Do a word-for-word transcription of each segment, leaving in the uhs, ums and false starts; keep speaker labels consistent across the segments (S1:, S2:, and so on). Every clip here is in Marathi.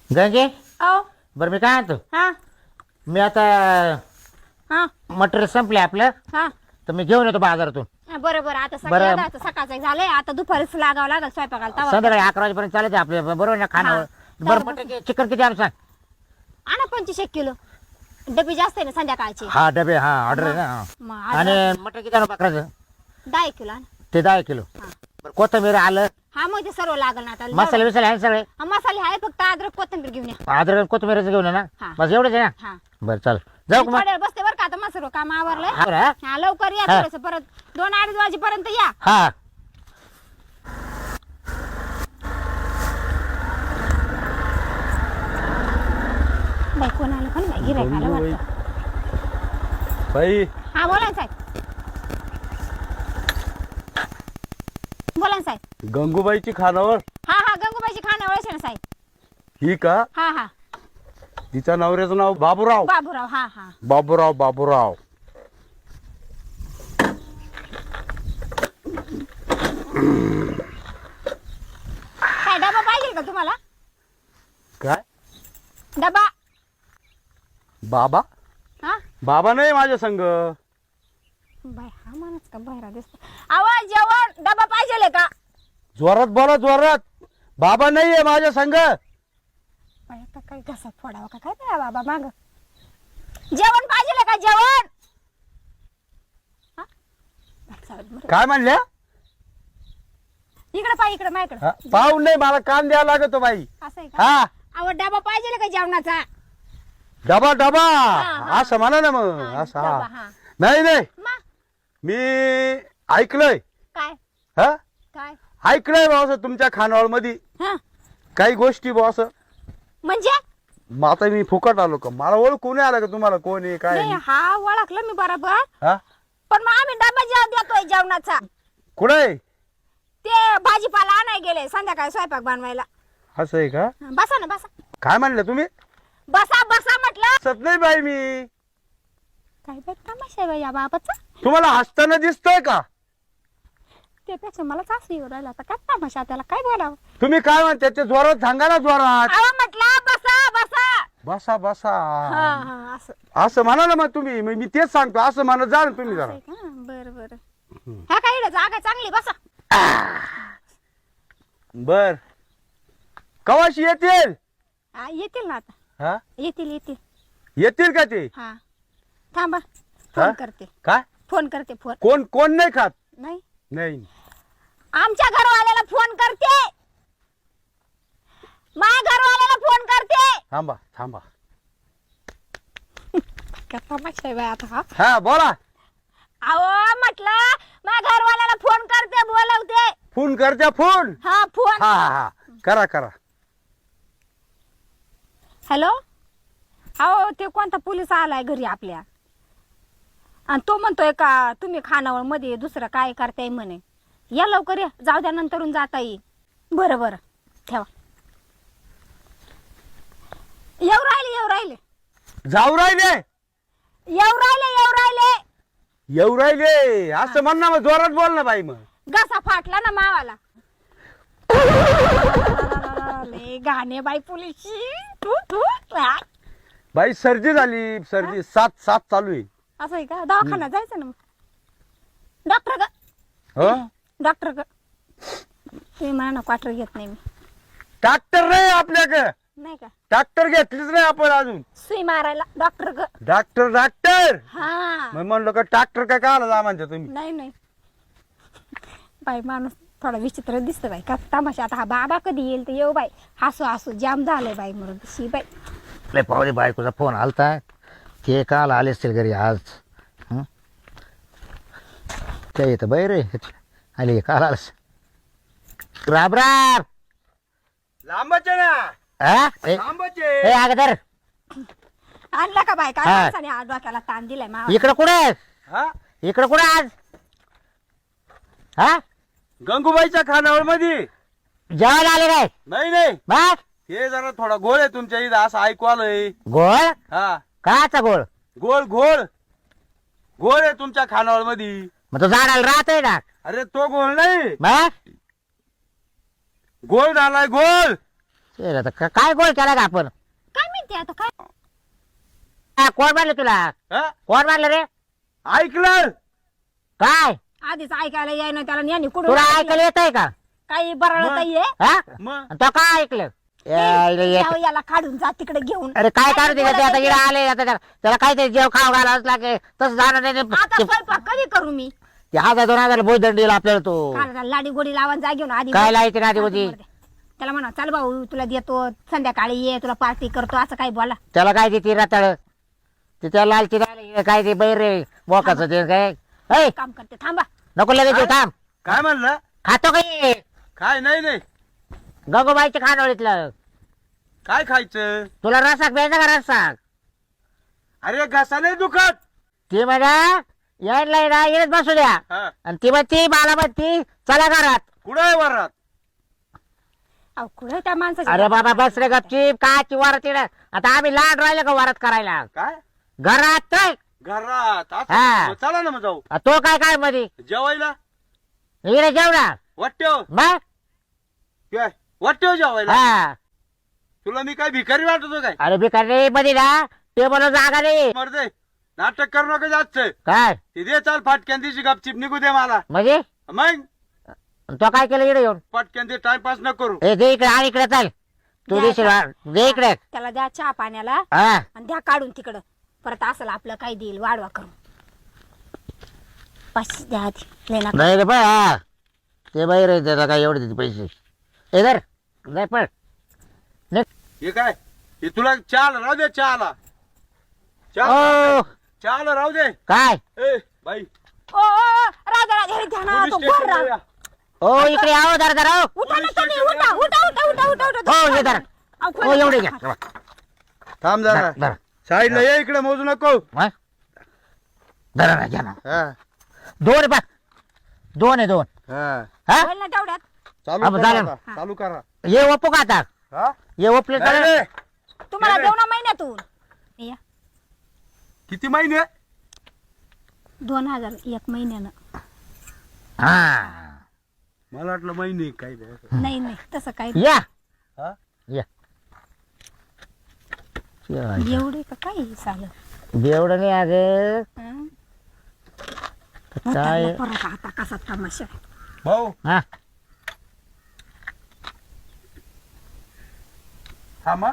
S1: गंगे
S2: आओ
S1: बरं मी काय म्हणतो
S2: हा
S1: मी आता
S2: हा
S1: मटेरियल संपले आपलं
S2: हा
S1: तर मी घेऊन येतो बाजारातून.
S2: हा, बरं बरं आता
S1: बरं.
S2: सकाळी सकाळचं झालंय आता दुपारीच लागावं लागल स्वयंपाकाला तवा
S1: संध्याकाळी अकरा वाजेपर्यंत चालते आपले बरोबर ना खानावर.
S2: हा.
S1: बरं
S2: बरं,
S1: मटन चिकन किती आणू सांग.
S2: आणा पंचवीस एक किलो डबी जास्त आहे ना संध्याकाळची
S1: हा डबे हा ऑर्डर आहे ना हा.
S2: मग आज
S1: आणि मटन किती आणू बकराचं
S2: दहा एक किलो आणा.
S1: ते दहा किलो.
S2: हा.
S1: बरं कोथिंबीर आलं
S2: हा मग ते सर्व लागल ना आता
S1: मसाले बिसाले आहे सगळे.
S2: हा, मसाले आहे फक्त अद्रक कोथिंबीर घेऊन या
S1: अद्रक कोथिंबीरचं घेऊन ये ना
S2: हा.
S1: बस एवढंच आहे ना.
S2: हा
S1: बरं चल जाऊ का मग.
S2: थोड्या वेळ बसते बरं का आता मग सर्व काम आवरलंय
S1: हा बरं, हा?
S2: हा लवकर या
S1: हा.
S2: थोडस परत दोन अडीच वाजेपर्यंत या
S1: हा
S2: बाई कोणाला पण बाई गिरायकाला वाटतं.
S3: बाई
S2: हा बोला ना साहेब बोला ना साहेब
S3: गंगूबाईची खानावर
S2: हा हा गंगूबाईची खाणं ओळख ना साहेब
S3: ही का
S2: हा हा
S3: तिच्या नवऱ्याचं नाव बाबूराव
S2: बाबूराव हा हा
S3: बाबूराव बाबूराव
S2: काय डबा पाहिजे का तुम्हाला
S3: काय
S2: डबा
S3: बाबा
S2: हा
S3: बाबा नाही माझ्या संग
S2: बाय हा माणूस का बाहेर दिसतो आवाज जेवण डबा पाहिजे का
S3: जोरात बोला जोरात बाबा नाहीये माझ्या संग
S2: बाय आता काय घसा फोडावा का काय त्या बाबा माग जेवण पाहिजे का जेवण हा? बरं, चालेल, बरं.
S3: काय म्हणल्या
S2: इकडे पाय इकडे माझ्याकडे
S3: हा, पाहून नाही मला कान द्यावा लागतो बाई
S2: असं आहे का
S3: हा
S2: आवड डबा पाहिजे का जेवणाचा
S3: डबा डबा
S2: हा.
S3: असं म्हणा ना मग
S2: हा,
S3: असं
S2: डबा,
S3: हा
S2: हा.
S3: नाही नाही
S2: मा
S3: मी ऐकलंय
S2: काय
S3: हा
S2: काय
S3: ऐकलंय भाऊ असं तुमच्या खानावळ मध्ये
S2: हा
S3: काही गोष्टी भाऊ असं
S2: म्हणजे
S3: मग आता मी फुकट आलो का मला ओळखू नाही आलं का तुम्हाला कोण आहे काय
S2: नाही
S3: आहे?
S2: हा ओळखलं मी बरोबर
S3: हा
S2: पण मग आम्ही डबा जेवण देतोय जेवणाचा
S3: कुठे
S2: ते भाजीपाला आणाय गेले संध्याकाळी स्वयंपाक बनवायला
S3: असं आहे का
S2: हा, बसा ना बसा
S3: काय म्हणलं तुम्ही
S2: बसा बसा म्हटलं
S3: सत नाही बाई मी
S2: काय बघ तमाशा आहे बाई या बाबाचा
S3: तुम्हाला हसताना दिसतोय का
S2: त्यापेक्षा मला सासू येऊ राहिला आता काय तमाशा त्याला काय बोलावं
S3: तुम्ही काय म्हणते ते जोरात सांगा ना जोरात
S2: अहो म्हटलं बसा बसा
S3: बसा बसा
S2: हा हा असं
S3: असं म्हणा ना मग तुम्ही मग मी तेच सांगतो असं म्हणत जा ना तुम्ही
S2: असं
S3: जरा
S2: आहे का बरं बरं हा काय इकडे जागा चांगली बसा
S3: बर कवाशी येतील
S2: हा येतील ना आता
S3: हा
S2: येतील येतील
S3: येतील का ते
S2: हा थांबा
S3: हा?
S2: फोन करते
S3: काय
S2: फोन करते फोन
S3: कोण कोण नाही खात
S2: नाही
S3: नाही
S2: आमच्या घरवाल्याला फोन करते माझ्या घरवाल्याला फोन करते
S3: थांबा थांबा
S2: का तमाशा आहे बाई आता हा
S3: हा बोला
S2: अहो म्हटलं माझ्या घरवाल्याला फोन करते बोलवते
S3: फोन करत्या फोन
S2: हा फोन
S3: हा हा हा करा करा
S2: हॅलो अहो ते कोणता पोलीस आलाय घरी आपल्या आणि तो म्हणतोय का तुम्ही खानावळ मध्ये दुसरं काय करताय म्हणे या लवकर या जाऊ द्या नंतरून जाता येईल बरं बरं ठेवा येऊ राहिले येऊ राहिले
S3: जाऊ राहिले
S2: येऊ राहिले येऊ राहिले
S3: येऊ राहिले असं म्हण ना मग जोरात बोल ना बाई मग
S2: घसा फाटला ना मावाला लय गाणे बाई पोलीसची तू तू आ.
S3: बाई सर्दी झाली सर्दी सात सात चालू आहे
S2: असं आहे का दवाखान्यात जायचं ना मग डॉक्टर ग
S3: हो
S2: डॉक्टर ग तुम्ही म्हणा ना क्वार्टर घेत नाही मी
S3: डॉक्टर नाही आपल्याकडे
S2: नाही का
S3: डॉक्टर घेतलीच नाही आपण अजून
S2: सुई मारायला डॉक्टर ग
S3: डॉक्टर डॉक्टर
S2: हा
S3: मग म्हणलं का डॉक्टर काय काय आला जा म्हणते तुम्ही
S2: नाही नाही बाई माणूस थोडा विचित्र दिसतो बाई का तमाशा आता हा बाबा कधी येईल तर येऊ बाई हसू हसू जाम झालंय बाई म्हणून शी बाई
S1: लय पाहुणे बायकोचा फोन आलता ते काल आले असतील घरी आज हं? ते येतं बाई रे आले काल आलंस राब राब
S3: लांबच आहे ना
S1: हा? ए
S3: लांबच
S1: ए,
S3: आहे
S1: अगोदर
S2: आणला का बाई काय
S1: हा.
S2: माणसाने आज डोक्याला ताण दिलाय मा
S1: इकडं कुठे आहेस?
S3: हा
S1: इकडं कुठे आज हा
S3: गंगूबाईच्या खानावळ मध्ये
S1: जेवायला आले काय
S3: नाही नाही
S1: बस
S3: हे जरा थोडा गोळ आहे तुमच्या इथं असं ऐकू आलंय
S1: गोळ
S3: हा
S1: काचा गोळ
S3: गोळ गोळ गोळ आहे तुमच्या खानावळ मध्ये
S1: मग तो झाडाला राहतोय ना
S3: अरे तो गोळ नाही
S1: बस
S3: गोळ झालाय गोळ
S1: ते आता का- काय गोळ केला का आपण
S2: काय माहिती आता काय
S1: हा, कोण मारलं तुला
S3: हा?
S1: कोण मारलं रे
S3: ऐकलं
S1: काय
S2: आधीच ऐकायला याय ना त्याला यांनी कुठून
S1: तुला
S2: ऐकलं?
S1: ऐकायला येत आहे का
S2: काही बरळत आहे
S1: हा
S3: मग
S1: आणि तो काय ऐकलं यायला येत-
S2: यावं, याला काढून जा तिकडे घेऊन
S1: अरे काय काढू दे
S2: बोलत
S1: ते आता
S2: आहे
S1: इकडे आले आता त्याला त्याला काहीतरी जेव खाऊ घालावंच लागेल तसं जाणार नाही
S2: आता
S1: ते-
S2: स्वयंपाक कधी करू मी
S1: ते हजार दोन हजार भोजन दिला आपल्याला तो
S2: काढा लाडी गोडी लावून जा घेऊन आधी
S1: काय लायची ना आधी होती
S2: त्याला म्हणा चल भाऊ तुला देतो संध्याकाळी ये तुला पार्टी करतो असं काही बोला
S1: त्याला काय देते रताळ ते त्याला लालची राहिली काय ते बैर रे बोकाचं ते काय ऐ,
S2: काम करते थांबा
S1: नको लगेच येऊ, थांब
S3: काय म्हणलं
S1: खातो काही
S3: काय नाही नाही
S1: गंगोबाईच्या खानवळीतलं
S3: काय खायचं
S1: तुला रसाक प्यायचा का रसाक
S3: अरे घसा नाही दुखत
S1: ती म्हणा यायला येणं येणच बसू द्या
S3: हा
S1: आणि ती म्हणती मला म्हणती चला घरात
S3: कुठं आहे वरात
S2: अहो कुठे त्या माणसाची
S1: अरे बाबा बस रे गपचीप काची वारत येणं आता आम्ही लाड राहिलो का वारत करायला
S3: काय
S1: घरात तर
S3: घरात असं?
S1: हा.
S3: मग चला ना मग जाऊ
S1: आ, तो काय काय मध्ये
S3: जेवायला
S1: इकडे जेवणार
S3: वाट्यो
S1: मग
S3: काय वाट्यो जेवायला
S1: हा
S3: तुला मी काय भिकारी वाटतो काय
S1: अरे भिकारी मध्ये ना टेबल जागा नाही
S3: मरदे नाटक करू नका जास्त
S1: काय
S3: ती दे चाल फाटक्यान तिची गपचिप निघू दे मला
S1: म्हणजे
S3: मग
S1: तो काय केलं इकडे येऊन
S3: पटक्यान ते टाइमपास न करू
S1: ए दे इकडे आणि इकडे चाल तू
S2: द्या
S1: देशील वा- दे इकडे
S2: त्याला द्या चहा पाण्याला
S1: हा
S2: आणि द्या काढून तिकडं परत असलं आपलं काही देईल वाढवा करून पाचशे द्या आधी लय नका.
S1: नाही रे पण हा ते बाहेर आहे त्याला काय एवढे देते पैसे ए धर नाही पण निघ.
S3: हे काय हे तुला चाल राहू दे चहाला
S1: ओ
S3: चहाला राहू दे
S1: काय
S3: ए बाई
S2: ओ ओ, ओ, राजा राजा हे घ्या ना
S3: पोलीस
S2: तो
S3: स्टेशनला
S2: घोर
S3: या.
S2: राग.
S1: ओ इकडे आहो धर धर हो
S2: उठा ना तुम्ही उठा उठा उठा उठा उठा उठा
S1: हो हे धर
S2: अहो,
S1: हो
S2: खोला,
S1: एवढे
S2: खोला,
S1: घ्या
S3: थांब
S1: धर
S3: जरा
S1: धर
S3: साईडला ये इकडे मोजू नको
S1: मग? धरा ना घ्या ना
S3: हा
S1: दोन आहे बा दोन आहे दोन
S3: हा
S1: हा
S2: बोल ना तेवढ्यात
S3: चालू
S1: हा,
S3: करा
S1: झालं.
S3: आता. चालू करा
S1: ये ओपू का आता
S3: हा
S1: ये ओपले
S3: नाही, नाही.
S2: तुम्हाला
S3: नाही,
S2: देऊ ना महिन्यातून या
S3: किती महिने
S2: दोन हजार एक महिन्यानं
S1: हा
S3: मला वाटलं महिने काय बा.
S2: नाही नाही तसं काही
S1: या
S3: हा?
S1: या
S2: एवढे का काही चालत
S1: एवढं नाही अगं
S2: हं?
S1: काय
S2: परत आता कसा तमाशा
S3: भाऊ
S1: हा
S3: थांबा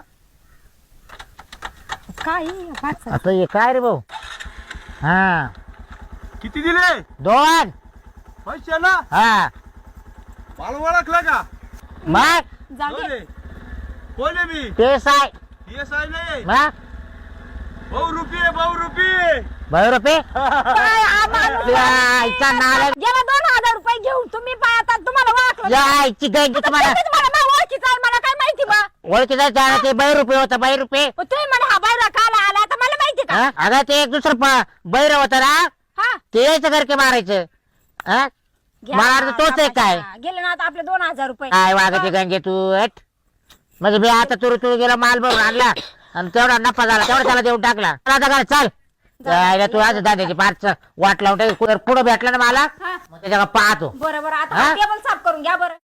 S2: काय पाच
S1: आता हे काय रे भाऊ हा
S3: किती दिले
S1: दोन
S3: पैसे ना
S1: हा
S3: मला ओळखलं का
S1: मग
S2: जाऊ
S3: कोण
S2: दे
S3: आहे? कोण आहे मी
S1: ते साय
S3: ये साहेब नाही
S1: मग
S3: भाऊ रुपये भाऊ रुपये
S1: बाय रुपये
S2: काय हा माणूस
S1: या आईचा नाला
S2: गेला दोन हजार रुपये घेऊन तुम्ही पाय आता तुम्हाला ओळखलं
S1: या आईची गंगी तुम्हाला
S2: तुम्ही तुम्हाला माझ्या ओळखीचं आहे, मला काय माहिती बा
S1: ओळखी जायचं ते बाय रुपये होता बाय रुपये
S2: मग तुम्ही मला हा बायरा काला आला तर मला माहिती का
S1: हा? अगं ते एक दुसरं प- बैर होतं ना
S2: हा
S1: ते यायचं घरके मारायचं हा
S2: घ्या
S1: मला वाटतं तोच आहे काय
S2: तमाशा. गेले ना आता आपले दोन हजार रुपये
S1: काय वागते गंगे तू हट म्हणजे मी आता तुरु तुरु गेला माल भरून आणला आणि तेवढा नफा झाला तेवढा त्याला देऊन टाकला आता काय चाल जायला तू आज दादाची पाच वाट लावून टाक. पुढं भेटला ना मला
S2: हा
S1: मग त्याच्या पाहतो
S2: बरं बरं आता
S1: हा?
S2: टेबल साफ करून घ्या बरं